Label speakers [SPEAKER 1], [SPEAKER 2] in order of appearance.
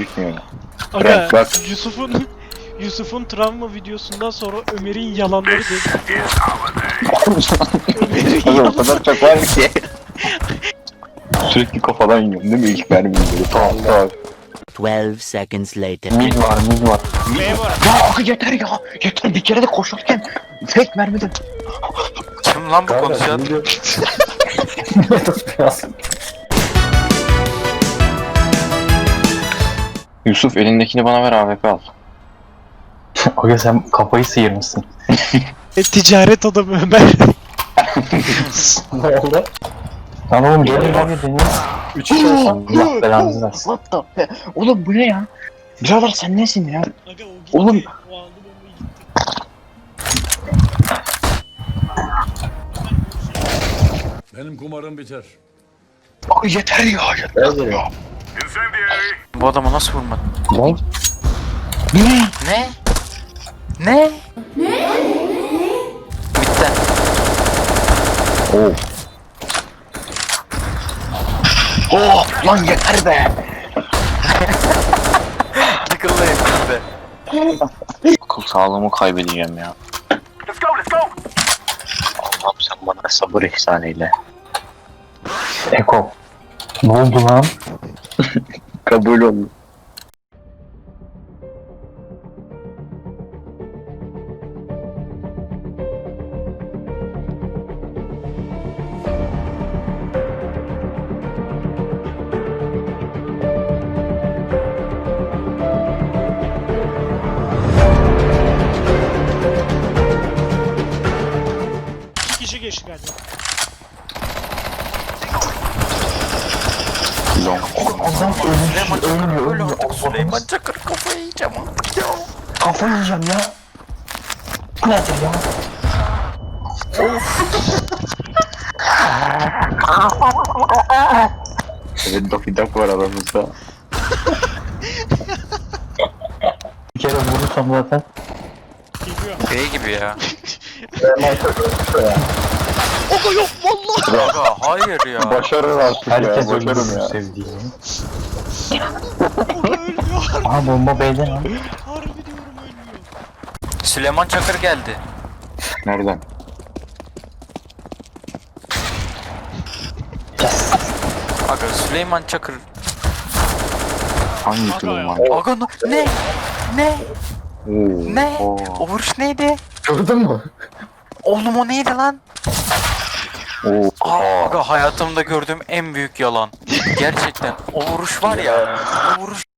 [SPEAKER 1] bitmiyor.
[SPEAKER 2] Aga
[SPEAKER 1] Bak.
[SPEAKER 2] Yusuf'un travma videosundan sonra Ömer'in yalanları dedi. Ömer'in
[SPEAKER 1] O
[SPEAKER 2] yalanları.
[SPEAKER 1] kadar çok var ki. Sürekli kafadan yiyorum değil mi? İlk mermi böyle. Tamam.
[SPEAKER 3] 12 seconds later.
[SPEAKER 1] Mid var.
[SPEAKER 2] B var.
[SPEAKER 1] Ya aga yeter ya. Yeter bir kere de koşarken tek mermiden.
[SPEAKER 4] Kim lan bu konuşan?
[SPEAKER 1] Yusuf elindekini bana ver AWP al.
[SPEAKER 5] Aga sen kafayı sıyırmışsın.
[SPEAKER 2] Ticaret adamı Ömer.
[SPEAKER 5] Ne oldu? Lan oğlum gelin hadi deneyin. 3 kişi olsam Allah belanızı versin.
[SPEAKER 1] What the be? Oğlum bu ne ya? Birader sen nesin ya?
[SPEAKER 2] Aga o gitti.
[SPEAKER 1] Oğlum.
[SPEAKER 2] O aldı bombayı gitti.
[SPEAKER 6] Benim kumarım biter.
[SPEAKER 1] Aga yeter ya. Yeter ya.
[SPEAKER 4] Bu adamı nasıl vurmadın?
[SPEAKER 1] Lan.
[SPEAKER 4] Ne? Ne? Bitti.
[SPEAKER 1] Oh. Oh lan yeter be.
[SPEAKER 4] Tıkıllayın bitti.
[SPEAKER 1] Akıl sağlığımı kaybedeceğim ya. Allah'ım sen bana sabır ihsan eyle.
[SPEAKER 5] Eko. Ne oldu lan?
[SPEAKER 1] Kabul oldu.
[SPEAKER 2] İki kişi geçti galiba.
[SPEAKER 1] Long.
[SPEAKER 5] Adam ölmüyor.
[SPEAKER 4] Süleyman Çakır kafayı yiyeceğim artık ya.
[SPEAKER 5] Kafayı yiyeceğim ya. Bu nedir ya?
[SPEAKER 1] Evet Daffy Duck var aramızda.
[SPEAKER 5] Bir kere vurursam zaten.
[SPEAKER 2] Geliyor.
[SPEAKER 4] Şey gibi ya.
[SPEAKER 2] Aga yok vallahi.
[SPEAKER 4] Aga hayır ya.
[SPEAKER 1] Başarır artık
[SPEAKER 5] Herkes
[SPEAKER 1] ya. Başarım
[SPEAKER 5] öldürür
[SPEAKER 1] ya.
[SPEAKER 5] sevdiğini.
[SPEAKER 2] Aga ölmüyor.
[SPEAKER 5] Aha bomba B'de lan.
[SPEAKER 2] Harbi diyorum ölmüyor.
[SPEAKER 4] Süleyman Çakır geldi.
[SPEAKER 1] Nereden?
[SPEAKER 4] Aga Süleyman Çakır.
[SPEAKER 1] Hangi
[SPEAKER 2] Aga
[SPEAKER 1] Süleyman?
[SPEAKER 4] Aga ne? Ne?
[SPEAKER 1] Oo.
[SPEAKER 4] Ne?
[SPEAKER 1] Oo.
[SPEAKER 4] O vuruş neydi?
[SPEAKER 5] Gördün mü?
[SPEAKER 4] Oğlum o neydi lan?
[SPEAKER 1] Oo.
[SPEAKER 4] Aga hayatımda gördüğüm en büyük yalan. Gerçekten o vuruş var ya. O vuruş